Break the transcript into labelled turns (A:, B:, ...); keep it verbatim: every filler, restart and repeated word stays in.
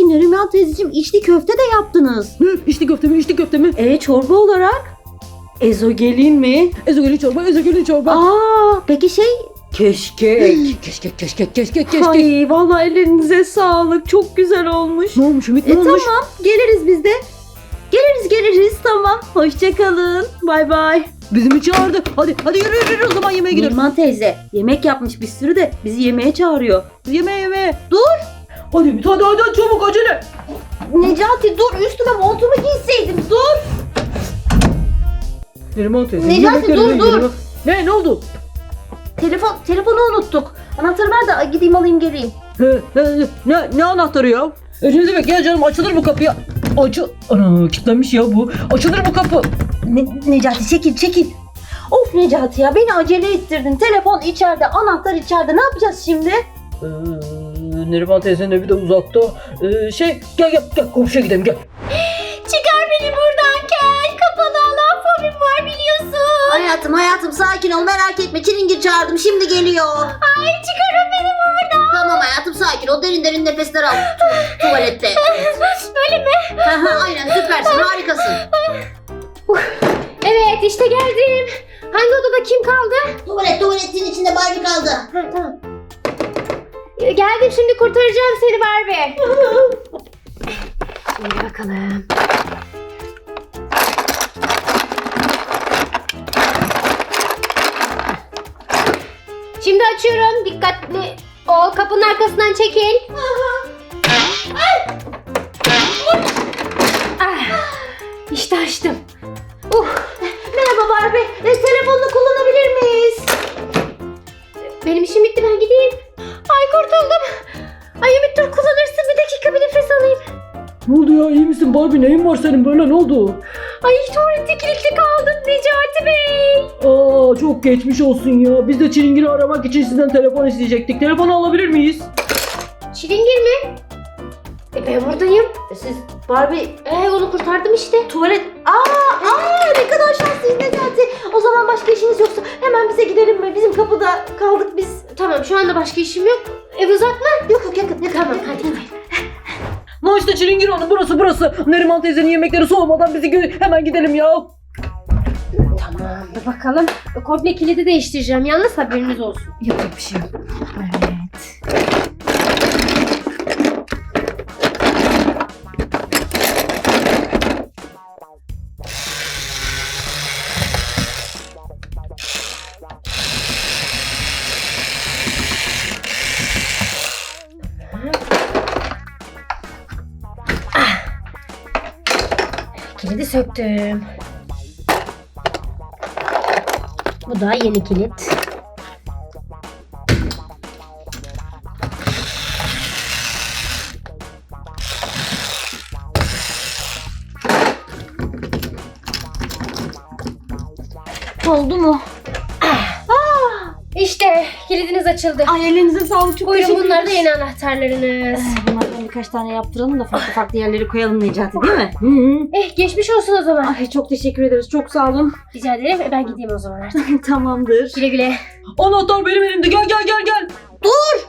A: Ay Neriman teyzeciğim, içli köfte de yaptınız.
B: Ne? İçli köfte mi? İçli köfte mi?
A: E çorba olarak? Ezogelin mi?
B: Ezogelin çorba, ezogelin çorba.
A: Aa peki şey keşkek.
B: Keşkek, keşkek, keşkek, keşkek.
A: Ay vallahi ellerinize sağlık. Çok güzel olmuş.
B: Ne olmuş Ümit, ne
A: E
B: olmuş?
A: tamam, geliriz biz de. Geliriz geliriz tamam. Hoşça kalın. Bay bay.
B: Bizi mi çağırdı? Hadi, hadi yürü yürü, yürü. O zaman yemeğe gidiyoruz.
A: Neriman teyze yemek yapmış bir sürü de bizi yemeğe çağırıyor.
B: Yemeğe, yemeğe.
A: Dur.
B: Hadi Ümit, hadi hadi, çabuk, acele.
A: Necati dur, üstüme montumu giyseydim. Dur.
B: Neriman teyze.
A: Necati,
B: yemekleri
A: dur,
B: yiyelim,
A: dur.
B: yiyelim. Ne, ne oldu?
A: Telefon telefonu unuttuk. Anahtarı ver de gideyim alayım geleyim.
B: He, he, ne, ne anahtarı ya? E ne demek ya canım, açılır bu kapı ya. Açıl... Ana, kilitlenmiş ya bu. Açılır bu kapı.
A: Ne, Necati çekil çekil. Of Necati ya, beni acele ettirdin. Telefon içeride, anahtar içeride. Ne yapacağız şimdi?
B: Ee, Neriman teyzenin evi de uzakta. Ee, şey, gel gel gel komşuya gidelim, gel.
C: Çıkar beni buradan Kel. Kapalı alan fobim var biliyorsun.
A: Hayatım hayatım sakin ol, merak etme. Çilingir çağırdım, şimdi geliyor.
C: Ay çıkarın beni buradan.
A: Tamam hayatım sakin ol, derin derin nefesler al. Tu- tuvalette.
C: Öyle mi?
A: Aynen, süpersin, harikasın.
C: Evet işte geldim. Hangi odada kim kaldı?
A: Tuvalet, tuvaletin içinde Barbie kaldı.
C: Ha, tamam. Ee, Geldim şimdi kurtaracağım seni Barbie. Şimdi bakalım. Şimdi açıyorum. Dikkatli ol. Kapının arkasından çekil. Ah, İşte açtım. Uh,
A: Merhaba Barbie, e, telefonunu kullanabilir miyiz?
C: benim işim bitti ben gideyim. Ay kurtuldum. Ay Ümit dur kullanırsın bir dakika bir nefes alayım.
B: Ne oldu ya, iyi misin Barbie, neyin var senin böyle, ne oldu?
C: Ay tuvalette kilitli kaldım Necati Bey.
B: Aa, çok geçmiş olsun ya. Biz de Çilingir'i aramak için sizden telefon isteyecektik. Telefonu alabilir miyiz?
C: Çilingir mi? E ben buradayım.
A: E, Siz Barbie
C: E onu kurtardım işte.
A: tuvalet... Aa, aa ne kadar şanslıyız Necati. O zaman başka işiniz yoksa hemen bize gidelim mi? Bizim kapıda kaldık biz.
C: Tamam şu anda başka işim yok. Ev uzak mı?
A: Yok yok yakın yakın.
C: Tamam hadi.
B: No işte Çilingir Hanım, burası burası. Neriman teyzenin yemekleri soğumadan bizi gö- hemen gidelim ya.
C: Tamam dur bakalım. Komple kilidi değiştireceğim yalnız haberiniz olsun.
B: Yapacak bir şey yok.
C: Kilidi söktüm. Bu da yeni kilit.
A: Oldu mu?
C: İşte kilidiniz açıldı.
A: Ay elinize sağlık, çok
C: Buyurun
A: teşekkür
C: bunlar da
A: ederiz.
C: yeni anahtarlarınız.
A: Bunlardan birkaç tane yaptıralım da farklı farklı yerleri koyalım Necati, değil mi?
B: Hı hı.
C: Eh geçmiş olsun o zaman.
A: Ay çok teşekkür ederiz, çok sağ olun.
C: Rica ederim. E, ben gideyim o zaman artık.
A: Tamamdır.
C: Güle güle.
B: Anahtar benim elimde, gel gel gel gel.
A: Dur!